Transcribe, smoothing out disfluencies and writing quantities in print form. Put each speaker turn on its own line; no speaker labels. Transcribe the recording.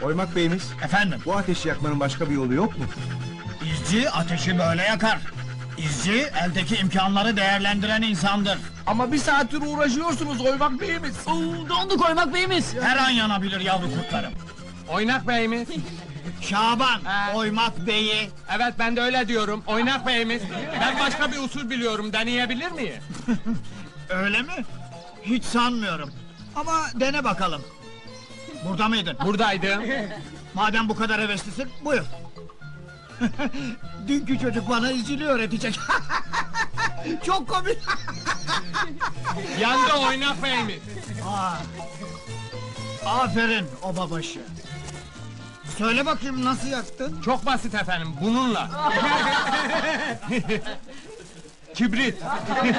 Oymak beyimiz,
Efendim,
bu ateşi yakmanın başka bir yolu yok mu?
izci ateşi böyle yakar. İzci, eldeki imkanları değerlendiren insandır.
Ama bir saattir uğraşıyorsunuz Oymak beyimiz.
Donduk Oymak beyimiz.
Her an yanabilir yavru kurtlarım.
Oynak beyimiz.
Şaban,
Ha.
oymak beyi.
Evet ben de öyle diyorum. Oynak beyimiz. Ben başka bir usul biliyorum. Deneyebilir miyim?
Öyle mi? Hiç sanmıyorum. Ama dene bakalım. Burada mıydın?
Buradaydım.
Madem bu kadar heveslisin, buyur. Dünkü çocuk bana izciliği öğretecek. Çok komik.
Yandı oynak beyimiz.
Aa, aferin o babaşı. Söyle bakayım nasıl yaktın?
Çok basit efendim. Bununla. Kibrit.